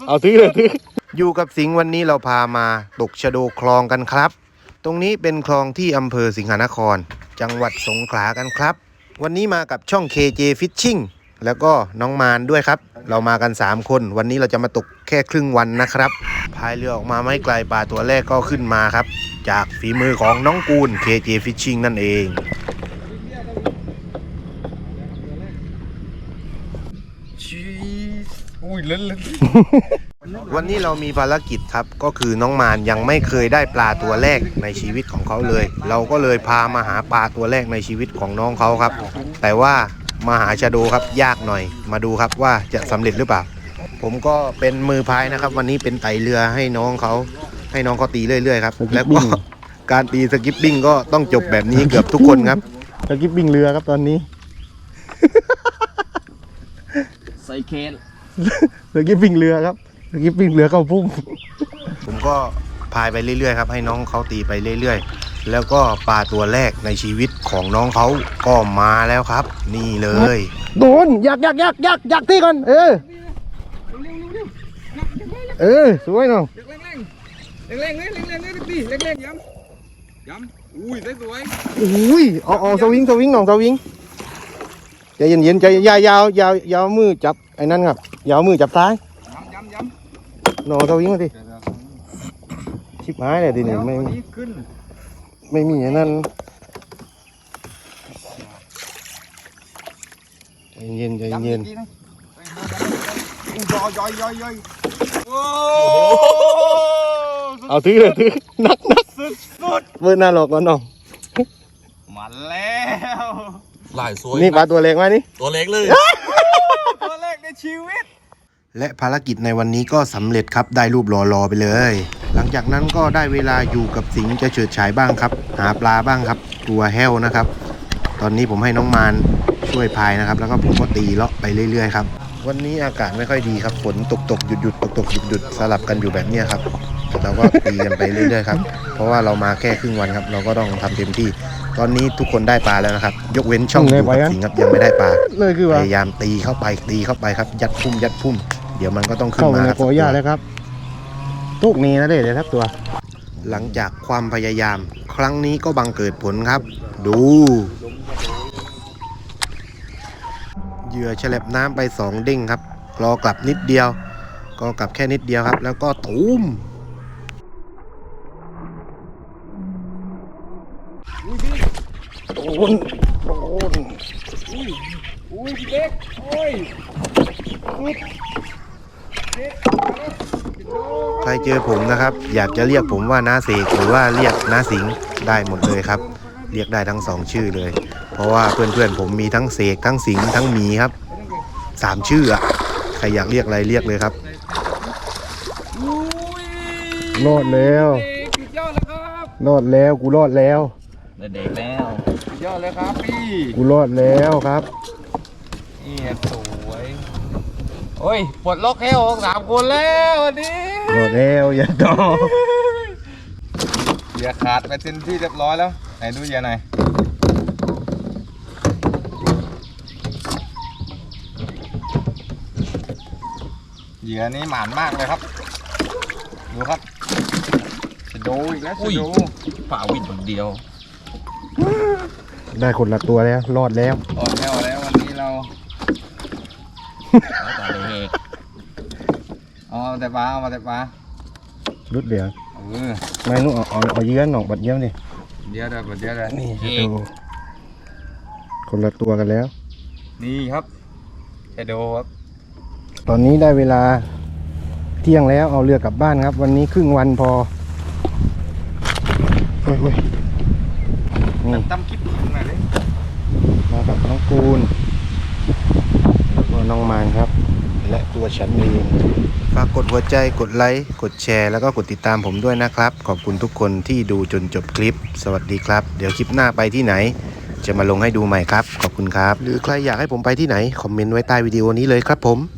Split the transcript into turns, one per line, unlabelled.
เอาถือเลยถืออยู่กับสิงห์วันนี้เราพามาตกชะโดคลองกันครับตรงนี้เป็นคลองที่อำเภอสิงหนครจังหวัดสงขลากันครับวันนี้มากับช่อง KJ Fishing แล้วก็น้องมานด้วยครับเรามากัน3คนวันนี้เราจะมาตกแค่ครึ่งวันนะครับพายเรือออกมาไม่ไกลปลาตัวแรกก็ขึ้นมาครับจากฝีมือของน้องกูล KJ Fishing นั่นเองวันนี้เรามีภารกิจครับก็คือน้องมานยังไม่เคยได้ปลาตัวแรกในชีวิตของเขาเลยเราก็เลยพามาหาปลาตัวแรกในชีวิตของน้องเขาครับแต่ว่ามาหาชะโดครับยากหน่อยมาดูครับว่าจะสำเร็จหรือเปล่าผมก็เป็นมือพายนะครับวันนี้เป็นไต่เรือให้น้องเขาตีเรื่อยๆครับแล้วก็การตีสกิปปิ้งก็ต้องจบแบบนี้เกือบทุกคนครับสกิปปิ้งเรือครับตอนนี้
ใส่เคน
สกิปปิ้งเรือครับสกิปปิ้งเรือเข้าพุ่งผมก็พายไปเรื่อยๆครับให้น้องเขาตีไปเรื่อยๆแล้วก็ปลาตัวแรกในชีวิตของน้องเขาก็มาแล้วครับนี่เลยโดนอยากตีก่อนสวยเนาะ
เร่งตีเร่งย้ำอุ้ยได้สวย
อุ้ยเอาสวิงน้องสวิงใจเย็นใจยาวมือจับไอ้นั่นครับยาวมือจับซ้าย
ย้
ำน้องสวิงมาสิชิบหายเลยทีนี้ไม่มีไอ้นั่นใจเย็นย่อยเอาถือเลยถือนัก
สุด
เมื่อหน้าหลอกแล้วน้อง
มาแล้ว
หลายสวย
นี่ปลาตัวเล็กไหมนี่
ตัวเล็กเลย
ตัวเล็กในชีวิต
และภารกิจในวันนี้ก็สำเร็จครับได้รูปรอไปเลยหลังจากนั้นก็ได้เวลาอยู่กับสิงห์จะเฉิดฉายบ้างครับหาปลาบ้างครับตัวแห้วนะครับตอนนี้ผมให้น้องมานช่วยพายนะครับแล้วก็ผมก็ตีเลาะไปเรื่อยๆครับวันนี้อากาศไม่ค่อยดีครับฝนตกหยุดตกหยุดสลับกันอยู่แบบนี้ครับเราก็ตีกันไปเรื่อยๆครับเพราะว่าเรามาแค่ครึ่งวันครับเราก็ต้องทำเต็มที่ตอนนี้ทุกคนได้ปลาแล้วนะครับยกเว้นช่องอยู่กับสิงห์ครับยังไม่ได้ปลาพยายามตีเข้าไปครับยัดพุ่มเดี๋ยวมันก็ต้องขึ้นมาครับเข้าในโกย่าแล้วครับทุกนี้นะเด็ดครับตัวหลังจากความพยายามครั้งนี้ก็บังเกิดผลครับดูเหยื่อแฉลบน้ำไป2เด้งครับรอกลับนิดเดียวก็กลับแค่นิดเดียวครับแล้วก็ตูมโดน
อุ้ยพี่เล็กโอ้ย
ใครเจอผมนะครับอยากจะเรียกผมว่าน้าเสกหรือว่าเรียกน้าสิงห์ได้หมดเลยครับเรียกได้ทั้ง2ชื่อเลยเพราะว่าเพื่อนผมมีทั้งเสกทั้งสิงห์ทั้งหมีครับ3ชื่ออะใครอยากเรียกอะไรเรียกเลยครับรอดแล้วรอดแล้วกูรอดแล้ว
เด็กแล้วยอดเลยครับพี่
กูรอดแล้วครับ
นี่สวยโอ้ยปลดล็อกแค่3 คนแล้ววันนี้
รอดแล้วอย่าต่อ
อย่าขาดไปเต็มที่เรียบร้อยแล้วไหนดูอย่าไหนเหยื่อนี้หมานมากเลยครับดูครับจะดูอีกแล้วจะดู
ฝ่าวินคนเดียว
ได้คนละตัวแล้วรอดแล้ว
แล้ววันนี้เราเอาแต่ปลา
รุดเดี๋ยวไม่นู้เอาเยื้อนหนองบัดเยี่ยมดิ
เดี๋ยวเลย
นี่ดูคนละตัวกันแล้ว
นี่ครับจะดูครับ
ตอนนี้ได้เวลาเที่ยงแล้วเอาเรือกลับบ้านครับวันนี้ครึ่งวันพอ
ตั้มคลิปมาเลย
มากับน้องกูลแล้วก็น้องมานครับและตัวฉันเองฝากกดหัวใจกดไลค์กดแชร์แล้วก็กดติดตามผมด้วยนะครับขอบคุณทุกคนที่ดูจนจบคลิปสวัสดีครับเดี๋ยวคลิปหน้าไปที่ไหนจะมาลงให้ดูใหม่ครับขอบคุณครับหรือใครอยากให้ผมไปที่ไหนคอมเมนต์ไว้ใต้วิดีโอนี้เลยครับผม